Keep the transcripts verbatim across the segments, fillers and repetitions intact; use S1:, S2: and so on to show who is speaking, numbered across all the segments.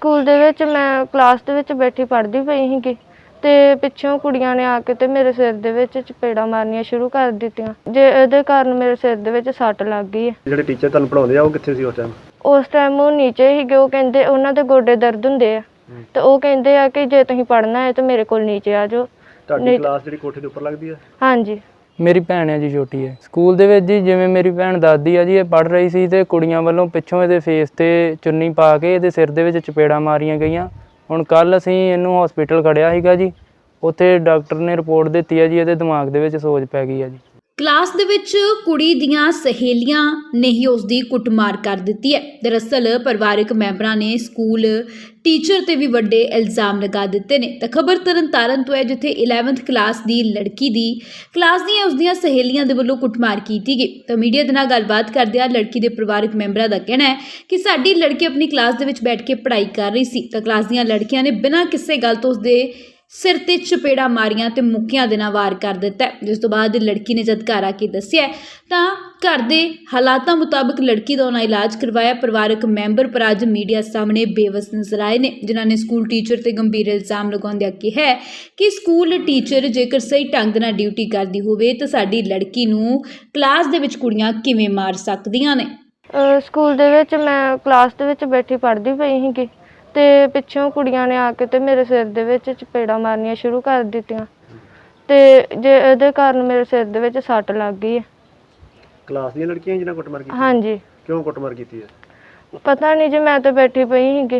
S1: School ਦੇ ਵਿੱਚ ਮੈਂ ਕਲਾਸ ਦੇ ਵਿੱਚ ਬੈਠੀ ਪੜ੍ਹਦੀ ਪਈ ਸੀਗੀ ਤੇ ਪਿੱਛੋਂ ਕੁੜੀਆਂ ਨੇ ਆ ਕੇ ਤੇ ਮੇਰੇ ਸਿਰ ਦੇ ਵਿੱਚ ਚਪੇੜਾਂ ਮਾਰਨੀਆਂ ਸ਼ੁਰੂ ਕਰ ਦਿੱਤੀਆਂ। ਜੇ ਇਹਦੇ ਕਾਰਨ ਮੇਰੇ ਸਿਰ ਦੇ ਵਿੱਚ ਸੱਟ ਲੱਗ ਗਈ ਹੈ।
S2: ਜਿਹੜੇ ਟੀਚਰ ਤੁਹਾਨੂੰ ਪੜ੍ਹਾਉਂਦੇ ਆ ਉਹ ਕਿੱਥੇ ਸੀ ਉਸ ਟਾਈਮ?
S1: ਉਸ ਟਾਈਮ ਉਹ ਨੀਚੇ ਸੀਗੇ। ਉਹ ਕਹਿੰਦੇ ਉਹਨਾਂ ਦੇ ਗੋਡੇ ਦਰਦ ਹੁੰਦੇ ਆ ਤੇ ਉਹ ਕਹਿੰਦੇ ਆ ਕਿ ਜੇ ਤੁਸੀਂ ਪੜ੍ਹਨਾ ਹੈ ਤਾਂ ਮੇਰੇ ਕੋਲ ਨੀਚੇ ਆ ਜਾਓ।
S2: ਤੁਹਾਡੀ ਕਲਾਸ ਜਿਹੜੀ ਕੋਠੇ ਦੇ ਉੱਪਰ ਲੱਗਦੀ ਹੈ?
S1: ਹਾਂਜੀ।
S3: ਮੇਰੀ ਭੈਣ ਹੈ ਜੀ, ਛੋਟੀ ਹੈ। ਸਕੂਲ ਦੇ ਵਿੱਚ ਜੀ ਜਿਵੇਂ ਮੇਰੀ ਭੈਣ ਦੱਸਦੀ ਆ ਜੀ, ਇਹ ਪੜ੍ਹ ਰਹੀ ਸੀ ਤੇ ਕੁੜੀਆਂ ਵੱਲੋਂ ਪਿੱਛੋਂ ਇਹਦੇ ਫੇਸ ਤੇ ਚੁੰਨੀ ਪਾ ਕੇ ਇਹਦੇ ਸਿਰ ਦੇ ਵਿੱਚ ਚਪੇੜਾਂ ਮਾਰੀਆਂ ਗਈਆਂ। ਹੁਣ ਕੱਲ੍ਹ ਅਸੀਂ ਇਹਨੂੰ ਹਸਪੀਟਲ ਖੜਿਆ ਸੀਗਾ ਜੀ, ਉੱਥੇ ਡਾਕਟਰ ਨੇ ਰਿਪੋਰਟ ਦਿੱਤੀ ਹੈ ਜੀ ਇਹਦੇ ਦਿਮਾਗ ਦੇ ਵਿੱਚ ਸੋਜ ਪੈ ਗਈ ਹੈ ਜੀ।
S4: ਕਲਾਸ ਦੇ ਵਿੱਚ ਕੁੜੀ ਦੀਆਂ ਸਹੇਲੀਆਂ ਨੇ ਹੀ ਉਸ ਦੀ ਕੁੱਟਮਾਰ ਕਰ ਦਿੱਤੀ ਹੈ। ਦਰਅਸਲ ਪਰਿਵਾਰਕ ਮੈਂਬਰਾਂ ਨੇ ਸਕੂਲ ਟੀਚਰ ਤੇ ਵੀ ਵੱਡੇ ਇਲਜ਼ਾਮ ਲਗਾ ਦਿੱਤੇ ਨੇ। ਤਾਂ ਖਬਰ ਤਰਨਤਾਰਨ ਤੋਂ ਹੈ, ਜਿੱਥੇ ਇਲੈਵੰਥ ਕਲਾਸ ਦੀ ਲੜਕੀ ਦੀ ਕਲਾਸ ਦੀਆਂ ਉਸ ਦੀਆਂ ਸਹੇਲੀਆਂ ਦੇ ਵੱਲੋਂ ਕੁੱਟਮਾਰ ਕੀਤੀ ਗਈ। ਤਾਂ ਮੀਡੀਆ ਦੇ ਨਾਲ ਗੱਲਬਾਤ ਕਰਦਿਆਂ ਲੜਕੀ ਦੇ ਪਰਿਵਾਰਕ ਮੈਂਬਰਾਂ ਦਾ ਕਹਿਣਾ ਹੈ ਕਿ ਸਾਡੀ ਲੜਕੀ ਆਪਣੀ ਕਲਾਸ ਦੇ ਵਿੱਚ ਬੈਠ ਕੇ ਪੜ੍ਹਾਈ ਕਰ ਰਹੀ ਸੀ ਤਾਂ ਕਲਾਸ ਦੀਆਂ ਲੜਕੀਆਂ ਨੇ ਬਿਨਾਂ ਕਿਸੇ ਗੱਲ ਤੋਂ ਉਸਦੇ ਸਿਰ ਤੇ ਚਪੇੜਾ ਮਾਰੀਆਂ ਤੇ ਮੁੱਕਿਆਂ ਦੇ ਨਾਲ ਵਾਰ ਕਰ ਦਿੱਤਾ। ਜਿਸ ਤੋਂ ਬਾਅਦ ਲੜਕੀ ਨੇ ਜਦ ਘਰ ਆ ਕੇ ਦੱਸਿਆ ਤਾਂ ਘਰ ਦੇ ਹਾਲਾਤਾਂ ਮੁਤਾਬਕ ਲੜਕੀ ਦਾ ਉਹਨਾਂ ਇਲਾਜ ਕਰਵਾਇਆ। ਪਰਿਵਾਰਕ ਮੈਂਬਰ ਪਰ ਅੱਜ ਮੀਡੀਆ ਸਾਹਮਣੇ ਬੇਵਸ ਨਜ਼ਰ ਆਏ ਨੇ, ਜਿਨ੍ਹਾਂ ਨੇ ਸਕੂਲ ਟੀਚਰ ਤੇ ਗੰਭੀਰ ਇਲਜ਼ਾਮ ਲਗਾਉਂਦਿਆਂ ਕਿਹਾ ਹੈ ਕਿ ਸਕੂਲ ਟੀਚਰ ਜੇਕਰ ਸਹੀ ਢੰਗ ਨਾਲ ਡਿਊਟੀ ਕਰਦੀ ਹੋਵੇ ਤਾਂ ਸਾਡੀ ਲੜਕੀ ਨੂੰ ਕਲਾਸ ਦੇ ਵਿੱਚ ਕੁੜੀਆਂ ਕਿਵੇਂ ਮਾਰ ਸਕਦੀਆਂ ਨੇ।
S1: ਸਕੂਲ ਦੇ ਵਿੱਚ ਮੈਂ ਕਲਾਸ ਦੇ ਵਿੱਚ ਬੈਠੀ ਪੜ੍ਹਦੀ ਪਈ ਸੀਗੀ ਤੇ ਪਿੱਛੋਂ ਕੁੜੀਆਂ ਨੇ ਆ ਕੇ ਤੇ ਮੇਰੇ ਸਿਰ ਦੇ ਵਿੱਚ ਚਪੇੜਾਂ ਮਾਰਨੀਆਂ ਸ਼ੁਰੂ ਕਰ ਦਿੱਤੀਆਂ ਤੇ ਜੇ ਇਹਦੇ ਕਾਰਨ ਮੇਰੇ ਸਿਰ ਦੇ ਵਿੱਚ ਸੱਟ ਲੱਗ ਗਈ ਹੈ।
S2: ਕਲਾਸ ਦੀਆਂ ਲੜਕੀਆਂ ਜਿਹਨਾਂ ਕੁੱਟਮਾਰ ਕੀਤੀ?
S1: ਹਾਂਜੀ।
S2: ਕਿਉਂ ਕੁੱਟਮਾਰ ਕੀਤੀ ਹੈ?
S1: ਪਤਾ ਨਹੀਂ ਜੀ, ਮੈਂ ਤਾਂ ਬੈਠੀ ਪਈ ਸੀਗੀ।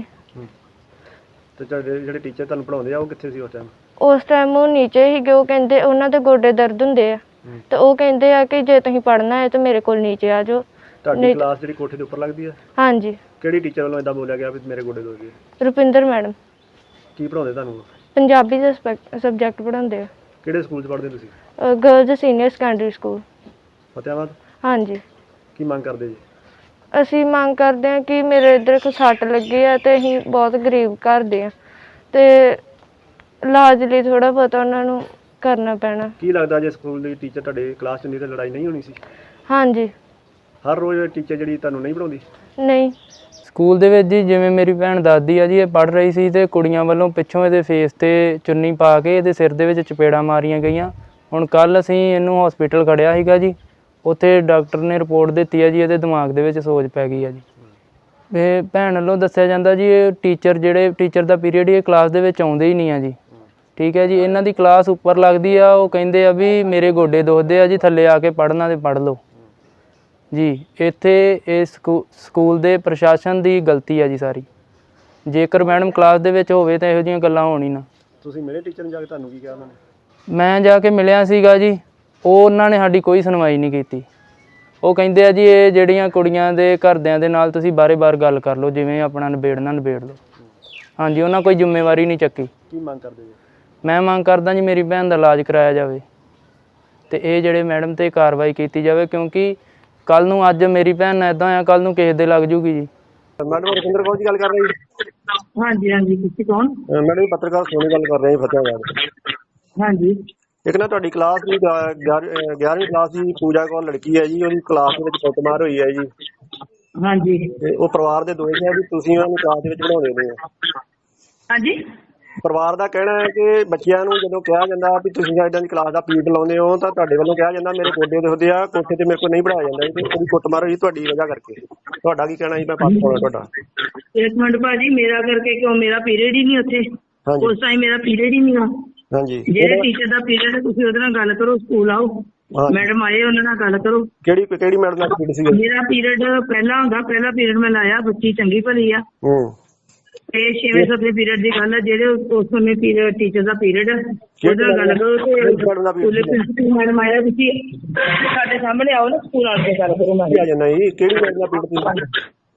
S2: ਤੇ ਜਿਹੜੇ ਜਿਹੜੇ ਟੀਚਰ ਤੁਹਾਨੂੰ ਪੜ੍ਹਾਉਂਦੇ ਆ ਉਹ ਕਿੱਥੇ ਸੀ ਉਸ ਟਾਈਮ?
S1: ਉਸ ਟਾਈਮ ਉਹ ਨੀਚੇ ਸੀਗੇ। ਉਹ ਕਹਿੰਦੇ ਉਹਨਾਂ ਦੇ ਗੋਡੇ ਦਰਦ ਹੁੰਦੇ ਆ ਤੇ ਉਹ ਕਹਿੰਦੇ ਆ ਕਿ ਜੇ ਤੁਸੀਂ ਪੜ੍ਹਨਾ ਹੈ ਤਾਂ ਮੇਰੇ ਕੋਲ ਨੀਚੇ ਆ ਜਾਓ।
S2: ਤੁਹਾਡੀ ਕਲਾਸ ਜਿਹੜੀ ਕੋਠੇ ਦੇ ਉੱਪਰ ਲੱਗਦੀ ਹੈ?
S1: ਹਾਂਜੀ।
S2: ਕਿਹੜੀ ਟੀਚਰ ਵੱਲੋਂ ਇਦਾਂ ਬੋਲਿਆ ਗਿਆ ਵੀ ਮੇਰੇ ਗੋਡੇ ਦੁਖ ਗਏ?
S1: ਰੁਪਿੰਦਰ ਮੈਡਮ।
S2: ਕੀ ਪੜ੍ਹਾਉਂਦੇ ਤੁਹਾਨੂੰ?
S1: ਪੰਜਾਬੀ ਦਾ ਸਬਜੈਕਟ ਪੜ੍ਹਾਉਂਦੇ ਆ।
S2: ਕਿਹੜੇ ਸਕੂਲ 'ਚ ਪੜ੍ਹਦੇ ਤੁਸੀਂ?
S1: Girls senior secondary school
S2: Fatehabad. ਹਾਂਜੀ। ਕੀ ਮੰਗ ਕਰਦੇ ਜੀ?
S1: ਅਸੀਂ ਮੰਗ ਕਰਦੇ ਹਾਂ ਕਿ ਮੇਰੇ ਇੱਧਰ ਇੱਕ ਸੱਟ ਲੱਗੀ ਆ ਤੇ ਅਸੀਂ ਬਹੁਤ ਗਰੀਬ ਘਰ ਦੇ ਆ ਤੇ ਇਲਾਜ ਲਈ ਥੋੜ੍ਹਾ ਬਹੁਤਾ ਉਹਨਾਂ ਨੂੰ ਕਰਨਾ ਪੈਣਾ।
S2: ਕੀ ਲੱਗਦਾ ਜੇ ਸਕੂਲ ਦੀ ਟੀਚਰ ਤੁਹਾਡੇ ਕਲਾਸ 'ਚ ਨਹੀਂ ਤਾਂ ਲੜਾਈ ਨਹੀਂ ਹੋਣੀ ਸੀ?
S1: ਹਾਂਜੀ।
S2: ਹਰ ਰੋਜ਼ ਟੀਚਰ ਜਿਹੜੀ ਤੁਹਾਨੂੰ ਨਹੀਂ ਪੜ੍ਹਾਉਂਦੀ?
S1: ਨਹੀਂ।
S3: ਸਕੂਲ ਦੇ ਵਿੱਚ ਜੀ ਜਿਵੇਂ ਮੇਰੀ ਭੈਣ ਦੱਸਦੀ ਆ ਜੀ, ਇਹ ਪੜ੍ਹ ਰਹੀ ਸੀ ਤੇ ਕੁੜੀਆਂ ਵੱਲੋਂ ਪਿੱਛੋਂ ਇਹਦੇ ਫੇਸ ਤੇ ਚੁੰਨੀ ਪਾ ਕੇ ਇਹਦੇ ਸਿਰ ਦੇ ਵਿੱਚ ਚਪੇੜਾਂ ਮਾਰੀਆਂ ਗਈਆਂ। ਹੁਣ ਕੱਲ੍ਹ ਅਸੀਂ ਇਹਨੂੰ ਹਸਪੀਟਲ ਖੜਿਆ ਸੀਗਾ ਜੀ, ਉੱਥੇ ਡਾਕਟਰ ਨੇ ਰਿਪੋਰਟ ਦਿੱਤੀ ਹੈ ਜੀ ਇਹਦੇ ਦਿਮਾਗ ਦੇ ਵਿੱਚ ਸੋਜ ਪੈ ਗਈ ਹੈ ਜੀ। ਇਹ ਭੈਣ ਵੱਲੋਂ ਦੱਸਿਆ ਜਾਂਦਾ ਜੀ, ਇਹ ਟੀਚਰ ਜਿਹੜੇ ਟੀਚਰ ਦਾ ਪੀਰੀਅਡ ਇਹ ਕਲਾਸ ਦੇ ਵਿੱਚ ਆਉਂਦੇ ਹੀ ਨਹੀਂ ਆ ਜੀ। ਠੀਕ ਹੈ ਜੀ, ਇਹਨਾਂ ਦੀ ਕਲਾਸ ਉੱਪਰ ਲੱਗਦੀ ਆ। ਉਹ ਕਹਿੰਦੇ ਆ ਵੀ ਮੇਰੇ ਗੋਡੇ ਦੁਖਦੇ ਆ ਜੀ, ਥੱਲੇ ਆ ਕੇ ਪੜ੍ਹਨਾ ਤੇ ਪੜ੍ਹ ਲਓ ਜੀ। ਇੱਥੇ ਇਹ ਸਕੂ ਸਕੂਲ ਦੇ ਪ੍ਰਸ਼ਾਸਨ ਦੀ ਗਲਤੀ ਹੈ ਜੀ ਸਾਰੀ। ਜੇਕਰ ਮੈਡਮ ਕਲਾਸ ਦੇ ਵਿੱਚ ਹੋਵੇ ਤਾਂ ਇਹੋ ਜਿਹੀਆਂ ਗੱਲਾਂ ਹੋਣ ਹੀ ਨਾ।
S2: ਤੁਸੀਂ ਮੇਰੇ ਟੀਚਰ ਨੂੰ ਜਾ ਕੇ ਤੁਹਾਨੂੰ ਕੀ ਕਿਹਾ ਉਹਨਾਂ ਨੇ?
S3: ਮੈਂ ਜਾ ਕੇ ਮਿਲਿਆ ਸੀਗਾ ਜੀ, ਉਹ ਉਹਨਾਂ ਨੇ ਸਾਡੀ ਕੋਈ ਸੁਣਵਾਈ ਨਹੀਂ ਕੀਤੀ। ਉਹ ਕਹਿੰਦੇ ਆ ਜੀ ਇਹ ਜਿਹੜੀਆਂ ਕੁੜੀਆਂ ਦੇ ਘਰਦਿਆਂ ਦੇ ਨਾਲ ਤੁਸੀਂ ਬਾਰੇ-ਬਾਰ ਗੱਲ ਕਰ ਲਓ, ਜਿਵੇਂ ਆਪਣਾ ਨਿਬੇੜਨਾ ਨਿਬੇੜ ਲਓ। ਹਾਂਜੀ, ਉਹਨਾਂ ਕੋਈ ਜ਼ਿੰਮੇਵਾਰੀ ਨਹੀਂ ਚੱਕੀ।
S2: ਕੀ ਮੰਗ ਕਰਦੇ ਜੀ?
S3: ਮੈਂ ਮੰਗ ਕਰਦਾ ਜੀ ਮੇਰੀ ਭੈਣ ਦਾ ਇਲਾਜ ਕਰਾਇਆ ਜਾਵੇ ਤੇ ਇਹ ਜਿਹੜੇ ਮੈਡਮ 'ਤੇ ਕਾਰਵਾਈ ਕੀਤੀ ਜਾਵੇ, ਕਿਉਂਕਿ ਕੱਲ੍ਹ ਨੂੰ ਅੱਜ ਮੇਰੀ ਭੈਣ ਨਾਲ ਇੱਦਾਂ ਆ, ਕੱਲ੍ਹ ਨੂੰ ਕਿਸੇ ਦੇ ਲੱਗ ਜੂਗੀ ਜੀ।
S2: ਮੈਡਮ ਰੁਪਿੰਦਰ ਕੌਰ ਜੀ ਗੱਲ ਕਰ ਰਹੇ ਜੀ?
S5: ਹਾਂਜੀ ਹਾਂਜੀ। ਤੁਸੀਂ ਕੌਣ?
S2: ਮੈਡਮ ਪੱਤਰਕਾਰ ਸੋਨੀ ਗੱਲ ਕਰ ਰਹੇ ਫਤਿਆਬਾਦ।
S5: ਹਾਂਜੀ।
S2: ਇੱਕ ਨਾ ਤੁਹਾਡੀ ਕਲਾਸ ਦੀ ਗਿਆਰਵੀਂ ਕਲਾਸ ਦੀ ਪੂਜਾ ਕੌਰ ਲੜਕੀ ਹੈ ਜੀ, ਉਹਦੀ ਕਲਾਸ ਦੇ ਵਿੱਚ ਕੁੱਟਮਾਰ ਹੋਈ ਹੈ ਜੀ।
S5: ਹਾਂਜੀ।
S2: ਤੇ ਉਹ ਪਰਿਵਾਰ ਦੇ ਦੋਸ਼ ਹੈ ਵੀ ਤੁਸੀਂ ਉਹਨਾਂ ਨੂੰ ਕਲਾਸ ਦੇ ਵਿੱਚ ਪੜ੍ਹਾਉਂਦੇ ਨੇ।
S5: ਹਾਂਜੀ।
S2: ਪਰਿਵਾਰ ਦਾ ਕਹਿਣਾ ਹੈ ਕਿ ਬੱਚਿਆਂ ਨੂੰ ਜਦੋਂ ਕਿਹਾ ਜਾਂਦਾ ਵੀ ਤੁਸੀਂ ਇਦਾਂ ਦੀ ਕਲਾਸ ਦਾ ਪੀਰੀਅਡ ਲਾਉਂਦੇ ਹੋ ਤਾਂ ਤੁਹਾਡੇ ਵੱਲੋਂ ਕਿਹਾ ਜਾਂਦਾ ਮੇਰੇ ਗੋਡੇ ਦੁਖਦੇ ਆ, ਕੋਠੇ ਤੇ ਮੇਰੇ ਕੋਲ ਨਹੀਂ ਪੜ੍ਹਾਇਆ ਜਾਂਦਾ ਜੀ। ਉਹਦੀ ਕੁੱਟਮਾਰ ਹੋਈ ਤੁਹਾਡੀ ਵਜ੍ਹਾ ਕਰਕੇ। ਤੁਹਾਡਾ ਕੀ ਕਹਿਣਾ ਜੀ? ਮੈਂ ਪਾਸ ਪਾਉਣਾ ਤੁਹਾਡਾ।
S5: ਇੱਕ ਮਿੰਟ ਭਾਜੀ, ਮੇਰਾ ਕਰਕੇ ਕਿਉਂ? ਮੇਰਾ ਪੀਰੀਅਡ ਹੀ ਨਹੀਂ ਉੱਥੇ। ਉਸ ਟਾਈਮ ਮੇਰਾ ਪੀਰੀਅਡ ਹੀ ਨਹੀਂ ਆ।
S2: ਹਾਂਜੀ।
S5: ਜਿਹੜੇ ਟੀਚਰ ਦਾ ਪੀਰੀਅਡ ਹੈ ਤੁਸੀਂ ਉਹਦੇ ਨਾਲ ਗੱਲ ਕਰੋ, ਸਕੂਲ ਆਓ, ਮੈਡਮ ਆਏ ਉਹਨਾਂ ਨਾਲ ਗੱਲ ਕਰੋ।
S2: ਕਿਹੜੀ ਕਿਹੜੀ ਮੈਡਮ ਨਾਲ ਪੀਰੀਅਡ ਸੀ?
S5: ਮੇਰਾ ਪੀਰੀਅਡ ਪਹਿਲਾਂ ਹੁੰਦਾ, ਪਹਿਲਾ ਪੀਰੀਅਡ ਮੈਂ ਲਾਇਆ। ਬੱਚੀ ਚੰਗੀ ਭਲੀ ਆ।
S2: ਹੂੰ।
S5: ਤੇ ਛੇਵੇਂ ਸੱਤਵੇਂ ਪੀਰੀਅਡ ਦੀ ਗੱਲ ਹੈ, ਜਿਹੜੇ ਉਸ ਸਮੇਂ ਪੀਰੀਅਡ ਟੀਚਰ ਦਾ ਪੀਰੀਅਡ ਉਹਦੇ ਨਾਲ ਗੱਲ ਕਰੋ। ਤੇ ਮੈਡਮ ਆਇਆ, ਤੁਸੀਂ ਸਾਡੇ ਸਾਹਮਣੇ ਆਓ ਨਾ, ਸਕੂਲ ਆ ਕੇ ਗੱਲ ਕਰੋ।
S2: ਆ ਜਾਣਾ ਜੀ। ਕਿਹੜੀ ਮੈਡਮ ਦਾ ਪੀਰੀਅਡ?